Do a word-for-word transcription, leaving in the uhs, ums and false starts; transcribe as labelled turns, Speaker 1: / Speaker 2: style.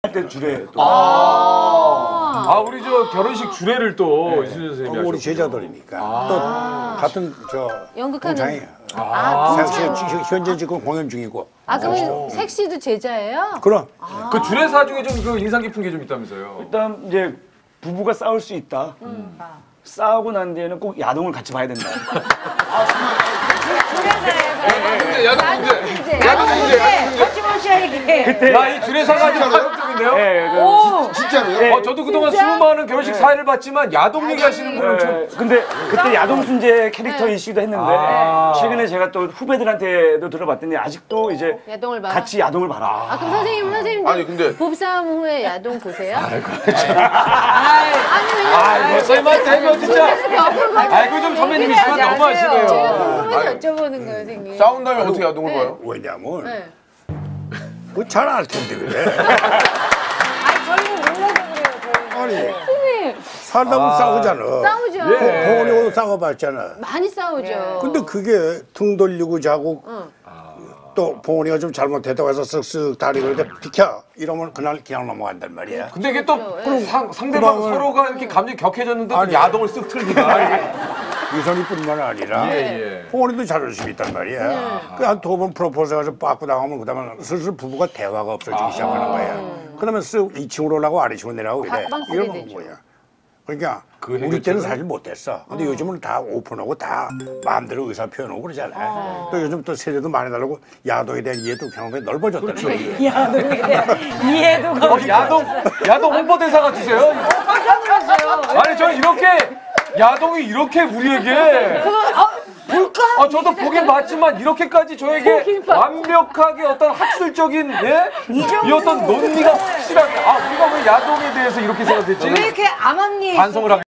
Speaker 1: 때 주례. 또.
Speaker 2: 아, 아 우리 저 결혼식 주례를 또
Speaker 1: 네.
Speaker 2: 이순재 선생님이
Speaker 3: 어, 우리
Speaker 2: 하셨군요.
Speaker 3: 제자들이니까
Speaker 4: 아.
Speaker 3: 또 같은 저
Speaker 5: 연극하는
Speaker 3: 공장이에요.
Speaker 5: 아,
Speaker 3: 지금
Speaker 5: 공장.
Speaker 3: 현재 지금 공연 중이고.
Speaker 5: 아, 그럼 색시도 제자예요?
Speaker 3: 그럼
Speaker 2: 그 주례사 중에 좀 그 인상 깊은 게 좀 있다면서요?
Speaker 1: 일단 이제 부부가 싸울 수 있다.
Speaker 5: 음.
Speaker 1: 싸우고 난 뒤에는 꼭 야동을 같이 봐야 된다.
Speaker 2: 문제, 야동 문제.
Speaker 5: 이제
Speaker 2: 야동 문제, 야동 문제.
Speaker 5: 거침없이 이게.
Speaker 1: 그때
Speaker 2: 야, 이 주례사가 좀 파격적인데요?
Speaker 1: 네, 그,
Speaker 5: 오,
Speaker 4: 진짜로요?
Speaker 1: 네.
Speaker 2: 어, 저도 그동안 수많은 결혼식 사회를 봤지만 야동 얘기하시는 분은 좀
Speaker 1: 네, 근데 그때 야동 순재 캐릭터 이슈도 했는데
Speaker 2: 아.
Speaker 1: 최근에 제가 또 후배들한테도 들어봤더니 아직도 이제
Speaker 5: 야동을 봐.
Speaker 1: 같이 야동을 봐라.
Speaker 5: 아, 그럼 선생님, 선생님
Speaker 4: 아니, 근데-
Speaker 5: 부부싸움 후에 야동 보세요?
Speaker 2: 아이고,
Speaker 5: 아니, 왜냐면
Speaker 2: 아이고, 설마 대면 진짜. 아이고, 좀 선배님이시면
Speaker 5: 제가
Speaker 2: 너무하시네요.
Speaker 5: 궁금해서 여쭤보는 거예요, 선생님.
Speaker 4: 싸운 다음에 어떻게 야동을
Speaker 5: 네.
Speaker 4: 봐요?
Speaker 3: 왜냐면
Speaker 5: 네.
Speaker 3: 그 잘 알 텐데 그래.
Speaker 5: 아니, 저희는 몰라서 그래요, 저희.
Speaker 3: 아니
Speaker 5: 선생님,
Speaker 3: 살다 보면 싸우잖아.
Speaker 5: 싸우죠.
Speaker 2: 예.
Speaker 3: 봉원이하고 싸워봤잖아.
Speaker 5: 많이 싸우죠.
Speaker 3: 근데 그게 등 돌리고 자고
Speaker 5: 응.
Speaker 3: 또 봉원이가 좀 잘못했다고 해서 쓱쓱 다리 그런데 비켜 이러면 그날 그냥 넘어간단 말이야.
Speaker 2: 근데 이게 또
Speaker 5: 그렇죠.
Speaker 2: 상, 상대방
Speaker 3: 그러면-
Speaker 2: 서로가 이렇게 감정이 격해졌는데 또
Speaker 3: 아니.
Speaker 2: 야동을 쓱 틀기가.
Speaker 3: 유선이뿐만 아니라
Speaker 2: 예, 예.
Speaker 3: 봉원이도 자존심이 있단 말이야. 그 한 두 번 프로포즈 해가지고 빠꾸 당하면 그다음에 슬슬 부부가 대화가 없어지기 시작하는 거야. 그러면 쓱 이 층으로 올라가고 아래 층으로 내려가고 이래.
Speaker 5: 방 쓰게
Speaker 3: 이러면
Speaker 5: 되죠.
Speaker 3: 뭐야. 그러니까
Speaker 2: 그
Speaker 3: 우리
Speaker 2: 해결책은?
Speaker 3: 때는 사실 못했어. 근데 요즘은 다 오픈하고 다 마음대로 의사 표현하고 그러잖아. 또 요즘 또 세대도 많이 다르고 야동에 대한 이해도 경험이 넓어졌다는 거야.
Speaker 5: 이해도
Speaker 2: 어, 야동, 야동 홍보대사 같으세요? 아니, 저는 이렇게, 야동이 이렇게 우리에게.
Speaker 5: 볼까?
Speaker 2: 아, 저도 보긴 봤지만 이렇게까지 저에게 완벽하게 어떤 학술적인, 예? 이 어떤 논리가 확실하게, 아, 우리가 왜 야동에 대해서 이렇게 생각했지?
Speaker 5: 왜 이렇게 암암리에
Speaker 2: 반성을 하게